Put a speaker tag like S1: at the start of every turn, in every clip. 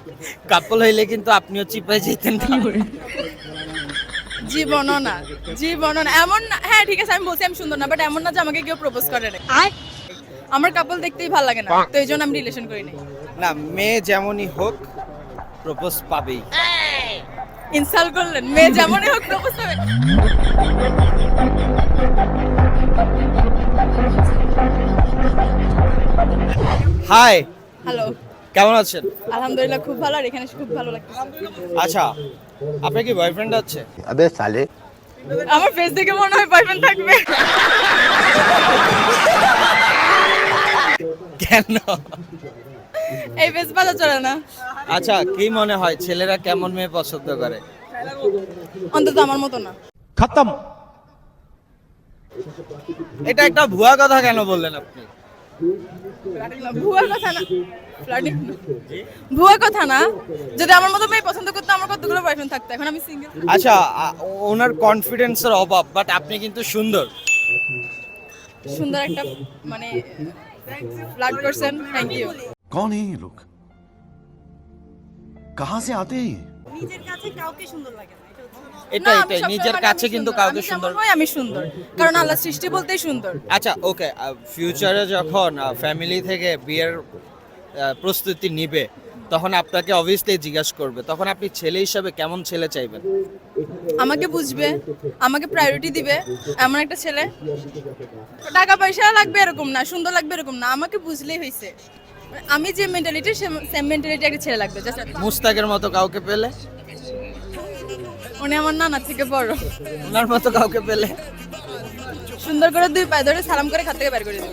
S1: কাপল হইলে কিন্তু আপনিও চিপায় যেতেন না।
S2: জীবনও না, জীবনও না, এমন না। হ্যাঁ ঠিক আছে, আমি বলছি আমি সুন্দর না, বাট এমন না যে আমাকে কেউ প্রপোজ করে না। আমার কাপল দেখতেই ভালো লাগে না, তো এই জন্য আমি রিলেশন করি নাই।
S1: না, মেয়ে যেমনই হোক প্রপোজ পাবেই।
S2: ইনসাল্ট করলেন, মেয়ে যেমনই হোক প্রপোজ হবে।
S1: হাই,
S2: হ্যালো,
S1: কেমন আছেন?
S2: আলহামদুলিল্লাহ খুব ভালো, আর এখানে এসে খুব ভালো লাগছে।
S1: আচ্ছা, আপনার কি বয়ফ্রেন্ড আছে?
S3: अबे साले
S2: আমার ফেস দেখে মনে হয় বয়ফ্রেন্ড থাকবে।
S1: কেন?
S2: এই ফেস বাজা চলে না।
S1: আচ্ছা, কি মনে হয় ছেলেরা কেমন মেয়ে পছন্দ করে?
S2: অন্তত আমার মতো না।
S3: खत्म।
S1: এটা একটা ভুয়া কথা কেন বললেন আপনি?
S2: ভুয়া কথা না, ফ্লার্টিং না। ভুয়া কথা না, যদি আমার মতো মেয়ে পছন্দ করতো আমার কতগুলো বয়ফ্রেন্ড থাকতো, এখন আমি সিঙ্গেল।
S1: আচ্ছা, ওনার কনফিডেন্সের অভাব, বাট আপনি কিন্তু সুন্দর।
S2: সুন্দর একটা মানে ফ্লার্ট করছেন, থ্যাংক ইউ।
S4: कौन है ये लोग कहां से आते हैं ये?
S2: নিজের কাছে কাউকে সুন্দর লাগে না,
S1: এটা এটাই, নিজের কাছে কিন্তু কাউকে সুন্দর।
S2: আমি সুন্দর, কারণ আল্লাহ সৃষ্টি বলতেই সুন্দর।
S1: আচ্ছা, ওকে, ফিউচারে যখন ফ্যামিলি থেকে বিয়ের প্রস্তুতি নিবে, তখন আপনাকে অবভিয়াসলি জিজ্ঞাসা করবে, তখন আপনি ছেলে হিসাবে কেমন ছেলে চাইবেন?
S2: আমাকে বুঝবে, আমাকে প্রায়োরিটি দিবে, এমন একটা ছেলে। টাকা পয়সা লাগবে এরকম না, সুন্দর লাগবে এরকম না, আমাকে বুঝলেই হয়েছে। আমি যে মেন্টালিটি, সেম মেন্টালিটি একটা ছেলে লাগবে।
S1: মুস্তাকের মতো কাউকে পেলে?
S2: উনি আমার নানা থেকে বড়।
S1: ওনার মতো কাউকে পেলে?
S2: সুন্দর করে দুই পায়ে ধরে সালাম করে খাত থেকে বের করে দেবো।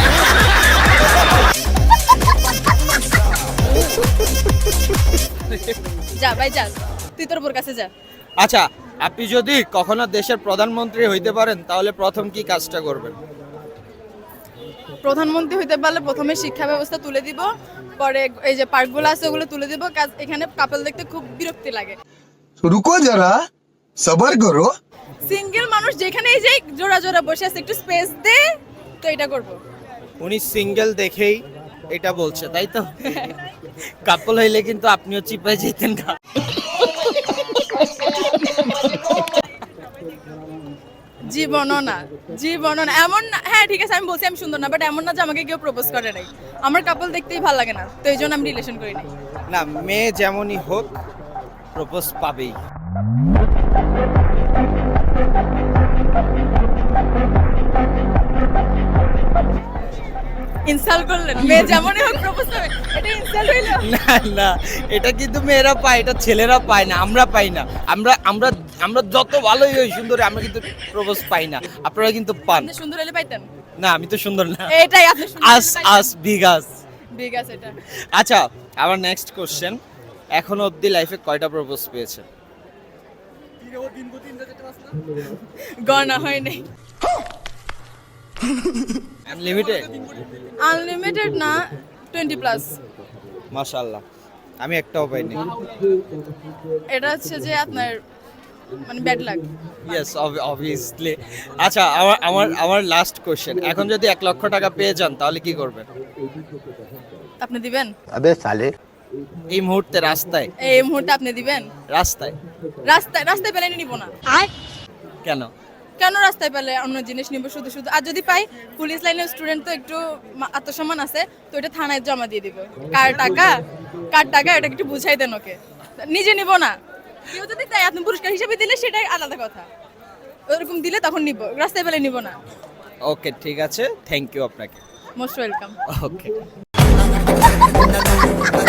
S2: যা ভাই যা, তুই তোর বোর কাছে যা।
S1: আচ্ছা, আপনি যদি কখনো দেশের প্রধানমন্ত্রী হইতে পারেন, তাহলে প্রথম কি কাজটা করবেন?
S2: প্রধানমন্ত্রী হইতে পারলে প্রথমে শিক্ষা ব্যবস্থা তুলে দিব, পরে এই যে পার্কগুলো আছে ওগুলো তুলে দিব। এখানে কাপল দেখতে খুব বিরক্তি লাগে।
S5: रुको जरा सबर करो।
S2: সিঙ্গেল মানুষ যেখানে এই যে জোড়া জোড়া বসে আছে, একটু স্পেস দে, তো এটা করব।
S1: উনি সিঙ্গেল দেখেই এটা বলছে, তাই তো? কাপল হইলে কিন্তু আপনিও চিপায় যেতেন না।
S2: জীবনও না, জীবনও না, এমন না। হ্যাঁ ঠিক আছে, আমি বলছি আমি সুন্দর না, বাট এমন না যে আমাকে কেউ প্রপোজ করে নাই। আমার কাপল দেখতেই ভালো লাগে না, তো এই জন্য আমি রিলেশন করি নাই।
S1: না, মেয়ে যেমনই হোক প্রপোজ পাবেই।
S2: ইনসাল্ট করলেন, মেয়ে যেমনই হোক প্রপোজ হবে, এটা ইনসাল্ট হইলো?
S1: না না, এটা কিন্তু মেয়েরা পায়, এটা ছেলেরা পায় না, আমরা পাই না। আমরা আমরা আমরা যত ভালোই হই সুন্দর, আমরা কিন্তু প্রপোজ পাই না। আপনারা কিন্তু পান।
S2: আপনি সুন্দর হলে পাইতেন।
S1: না, আমি তো সুন্দর না।
S2: এটাই আপনি সুন্দর
S1: আস আস বিগ আস।
S2: বিগ আছে এটা।
S1: আচ্ছা, আমার নেক্সট কোশ্চেন, এখনো অবধি লাইফে কয়টা প্রপোজ পেয়েছে?
S2: গণনা হয় নাই।
S1: আনলিমিটেড?
S2: আনলিমিটেড না, 20 প্লাস।
S1: মাশাআল্লাহ, আমি একটাও পাইনি।
S2: এটা হচ্ছে যে আপনার মানে ব্যাড লাক।
S1: Yes, obviously. আচ্ছা, আমার লাস্ট কোশ্চেন, এখন যদি 1 লক্ষ টাকা পেয়ে যান তাহলে কি করবেন?
S2: আপনি দিবেন?
S3: अबे साले
S1: এই মুহূর্তে রাস্তায়?
S2: এই মুহূর্তে আপনি দিবেন?
S1: রাস্তায়?
S2: রাস্তায় পেলে নিব না।
S1: কেন?
S2: কেন রাস্তায় পেলে অন্য জিনিস নিব শুধু শুধু? আর যদি পাই, পুলিশ লাইনের স্টুডেন্ট তো একটু আত্মসম্মান আছে, তো এটা থানায় জমা দিয়ে দিব। কার টাকা এটা একটু বুঝাই দেন ওকে, নিজে নিব না। কেউ যদি তাই আপনি পুরস্কার হিসেবে দিলে সেটাই আলাদা কথা, ওরকম দিলে তখন নিব, রাস্তায় পেলে নিব না।
S1: ওকে, ঠিক আছে, থ্যাংক ইউ আপনাকে।
S2: Most welcome.
S1: ওকে।